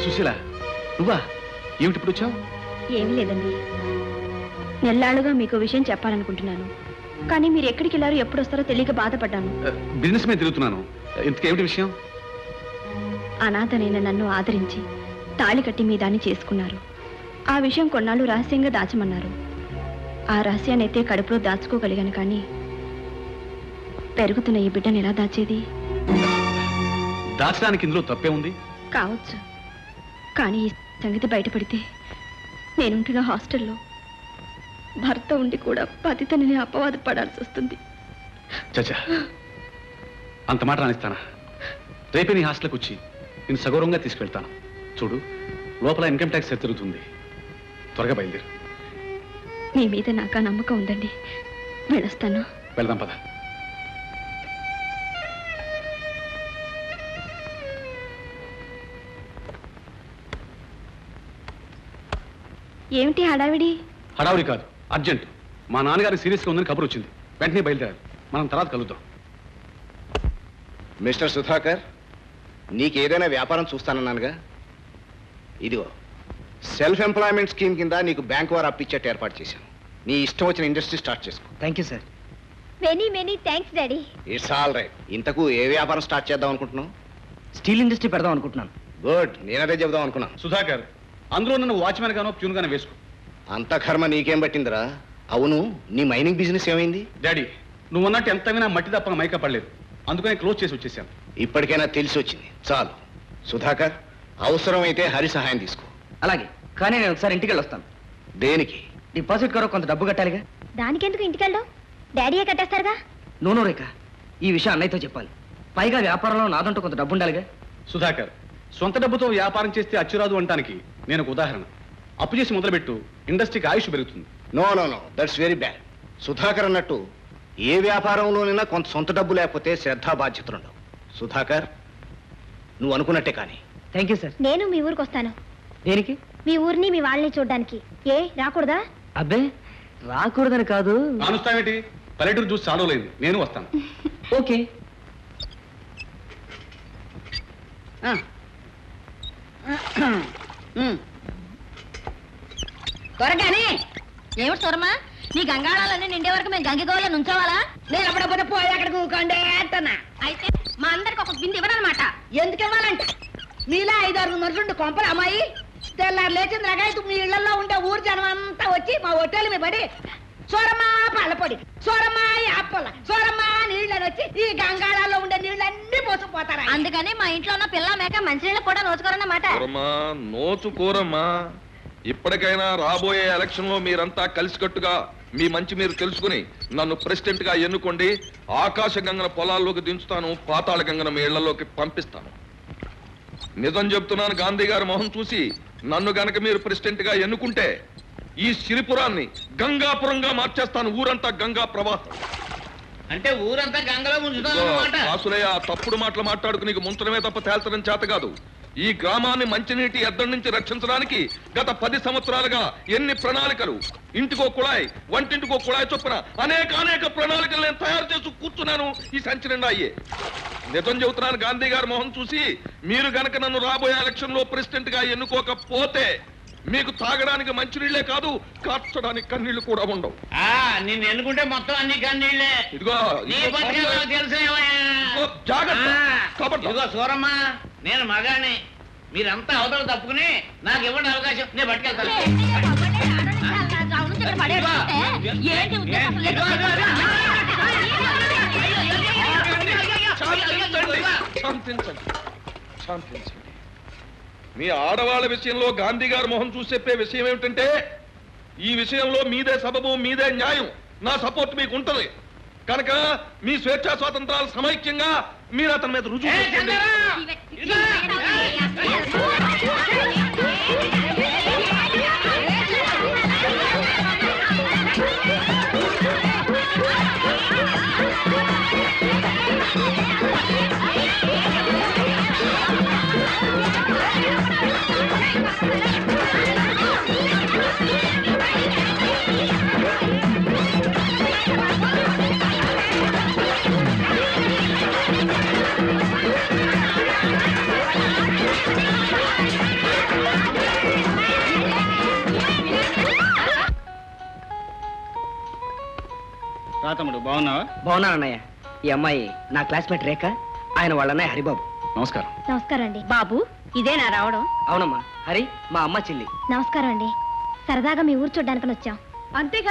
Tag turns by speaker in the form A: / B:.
A: సుశీల నువ్వా? ఏమిటి ఇప్పుడు వచ్చావు?
B: ఏమీ లేదండి, నెల్లాళ్ళుగా మీకు విషయం చెప్పాలనుకుంటున్నాను, కానీ మీరు ఎక్కడికి వెళ్ళారో ఎప్పుడు వస్తారో తెలియక బాధపడ్డాను.
A: బిజినెస్ మీద తిరుగుతున్నాను. ఇంతకేమిటి విషయం?
B: అనాథనైన నన్ను ఆదరించి తాళి కట్టి మీ దాన్ని చేసుకున్నారు. ఆ విషయం కొన్నాళ్ళు రహస్యంగా దాచమన్నారు. ఆ రహస్యాన్ని అయితే కడుపులో దాచుకోగలిగాను, కానీ పెరుగుతున్న ఈ బిడ్డను ఎలా దాచేది?
A: దాచడానికి ఇందులో తప్పే ఉంది?
B: కావచ్చు, కానీ ఈ సంగతి బయటపడితే నేనుంటున్న హాస్టల్లో భర్త ఉండి కూడా పతితని అపవాదు పడాల్సి వస్తుంది.
A: చచ్చా, అంత మాట రానిస్తానా? రేపే నీ హాస్టల్కి వచ్చి నేను సగౌరవంగా తీసుకెళ్తాను. చూడు, లోపల ఇన్కమ్ ట్యాక్స్ తిరుగుతుంది. త్వరగా బయలుదేరు.
B: మీ మీద నాకు నమ్మకం ఉందండి, వెళ్ళొస్తాను.
A: వెళ్దాం పద.
B: ఏమిటి హడావిడి?
A: హడావుడి కాదు, అర్జెంట్. మా నాన్నగారికి సీరియస్గా ఉందని కబురు వచ్చింది. వెంటనే బయలుదేరాలి. మనం తర్వాత కలుద్దాం.
C: మిస్టర్ సుధాకర్, నీకేదైనా వ్యాపారం చూస్తానన్నానుగా. ఇదిగో సెల్ఫ్ ఎంప్లాయ్మెంట్ స్కీమ్ కింద నీకు బ్యాంక్ వారు అప్పిచ్చేట్టు ఏర్పాటు చేశాను. నీ ఇష్టం వచ్చిన ఇండస్ట్రీ స్టార్ట్ చేసుకో.
D: Thank you sir.
B: Many thanks daddy.
C: It's all right. ఇంతకు ఏ వ్యాపారం స్టార్ట్ చేద్దాం అనుకుంటున్నావు?
D: స్టీల్ ఇండస్ట్రీ పెడదాం అనుకుంటున్నాను.
C: గుడ్, నేనదే చెబుదాం అనుకున్నాను.
A: సుధాకర్, అందులో నన్ను వాచ్మెన్ గానో ప్యూన్ గానో వేసుకో.
C: అంత కర్మ నీకేం పట్టిందిరా? అవును, నీ మైనింగ్ బిజినెస్ ఏమైంది?
A: డాడీ, నువ్వు అన్నట్టు ఎంత వినా మట్టి తప్ప మైక పడలేదు. అందుకని క్లోజ్ చేసి వచ్చేసాను.
C: ఇప్పటికైనా తెలిసి వచ్చింది, చాలు. సుధాకర్, అవసరమైతే హరి సహాయం తీసుకో.
D: అలాగే, కానీ నేను ఒకసారి ఇంటికి వెళ్ళొస్తాను.
C: దేనికి?
D: డిపాజిట్ కొరకు కొంత డబ్బు కట్టాలిగా.
B: దానికెందుకు ఇంటికెళ్ళావు? డాడీయే కట్టేస్తారుగా.
D: నో రేఖ, ఈ విషయం అన్నయ్యతో చెప్పాలి. పైగా వ్యాపారంలో నాదంటూ కొంత డబ్బు ఉండాలిగా.
A: సుధాకర్, సొంత డబ్బుతో వ్యాపారం చేస్తే అచ్చురాదు అంటానికి నేను ఒక ఉదాహరణ. అప్పు చేసి మొదలుపెట్టు, ఇండస్ట్రీకి ఆయుష్ పెరుగుతుంది.
C: No no no, that's very bad. Sudhakar అన్నట్టు ఏ వ్యాపారంలోనైనా కొంత సొంత డబ్బు లేకపోతే శ్రద్ధా బాధ్యతలు ఉండవు. సుధాకర్, నువ్వు అనుకున్నట్టే కానీ.
D: Thank you sir.
B: నేను మీ ఊరికి వస్తాను.
D: దేనికి?
B: మీ ఊరిని మీ వాళ్ళని చూడడానికి. ఏ రాకూడదా?
D: అబ్బే, రాకూడదని కాదు.
A: కానుస్తావేంటి? పల్లెటూరు చూసి చాలలేదు. నేను వస్తాను.
D: ఓకే.
E: త్వరగానే. ఏమిటి సూరమ్మా, నీ గంగాళాలన్నీ నిండే వరకు మేము గంగిగోళ నుంచోవాలా? నేను అప్పుడప్పుడు పోయి అక్కడ కూకండే అంటున్నా. అయితే మా అందరికి ఒక బింది ఇవ్వనమాట. ఎందుకు ఇవ్వాలంట? మీలా 5-6 మనుషులు కొంపలు అమ్మాయి తెల్లారు లేచింది రకాయతు మీ ఇళ్లలో ఉండే ఊరు జనం అంతా వచ్చి మా హోటల్ మీద పడి సూరమ్మా పళ్ళపొడి, సూరమ్మా యాపల, సూరమ్మా నీళ్ళని వచ్చి ఈ గంగాళాల్లో ఉండే నీళ్ళన్నీ పోసుకుపోతారా. అందుకని మా ఇంట్లో ఉన్న పిల్ల మేక మంచినీళ్ళు కూడా నోచుకోరన్నమాట.
F: నోచుకోరమ్మా. ఇప్పటికైనా రాబోయే ఎలక్షన్ లో మీరంతా కలిసికట్టుగా మీ మంచి మీరు తెలుసుకుని నన్ను ప్రెసిడెంట్ గా ఎన్నుకోండి. ఆకాశ గంగన పొలాల్లోకి దించుతాను, పాతాళ గంగన మీ ఇళ్లలోకి పంపిస్తాను. నిజం చెప్తున్నాను, గాంధీ గారి మొహం చూసి నన్ను గనక మీరు ప్రెసిడెంట్ గా ఎన్నుకుంటే ఈ సిరిపురాన్ని గంగాపురంగా మార్చేస్తాను. ఊరంతా గంగా ప్రవాహం.
G: అంటే ఊరంతా గంగలో ముంచుతాను.
F: వాసులయ్య, తప్పుడు మాటలు మాట్లాడుకు నీకు ముంచడమే తప్ప తేల్చడం చేత కాదు. ఈ గ్రామాన్ని మంచినీటి ఎద్దడి నుంచి రక్షించడానికి గత 10 సంవత్సరాలుగా ఎన్ని ప్రణాళికలు, ఇంటికో కుళాయి, వంటింటికో కుళాయి చొప్పున అనేక ప్రణాళికలు నేను తయారు చేసి కూర్చున్నాను. ఈ సంచి నిండా అయ్యే. నిజం చెబుతున్నాను, గాంధీ గారి మొహం చూసి మీరు గనక నన్ను రాబోయే ఎలక్షన్ లో ప్రెసిడెంట్ గా ఎన్నుకోకపోతే మీకు తాగడానికి మంచినీళ్లే కాదు, కార్చడానికి కన్నీళ్లు కూడా ఉండవు.
G: నిన్ను ఎన్నుకుంటే మొత్తం అన్ని కన్నీళ్లే.
F: ఇదిగో
G: తెలుసు. ఇదిగో సూరమ్మ, నేను మగాన్ని. మీరంతా అవతల తప్పుకుని నాకు ఇవ్వండి అవకాశం, నేను పట్టుకెళ్తాను.
F: శాంతించండి. మీ ఆడవాళ్ళ విషయంలో గాంధీ గారి మొహం చూసి చెప్పే విషయం ఏమిటంటే, ఈ విషయంలో మీదే సబబు, మీదే న్యాయం, నా సపోర్ట్ మీకు ఉంటుంది కనుక మీ స్వేచ్ఛా స్వాతంత్రాలు సమైక్యంగా మీరు అతని మీద రుజువు చేసుకోండి.
H: రా తమ్ముడు, బాగున్నావా?
D: బాగున్నాను అన్నయ్య. ఈ అమ్మాయి నా క్లాస్మేట్ రేఖ, ఆయన వాళ్ళ అన్నయ్య హరిబాబు.
A: నమస్కారం.
B: నమస్కారం అండి.
E: బాబు ఇదేనా రావడం?
D: అవునమ్మా, హరి మా అమ్మ చెల్లి.
B: నమస్కారం అండి. సరదాగా మీ ఊరు చూడ్డానికని వచ్చాం.
E: అంతేగా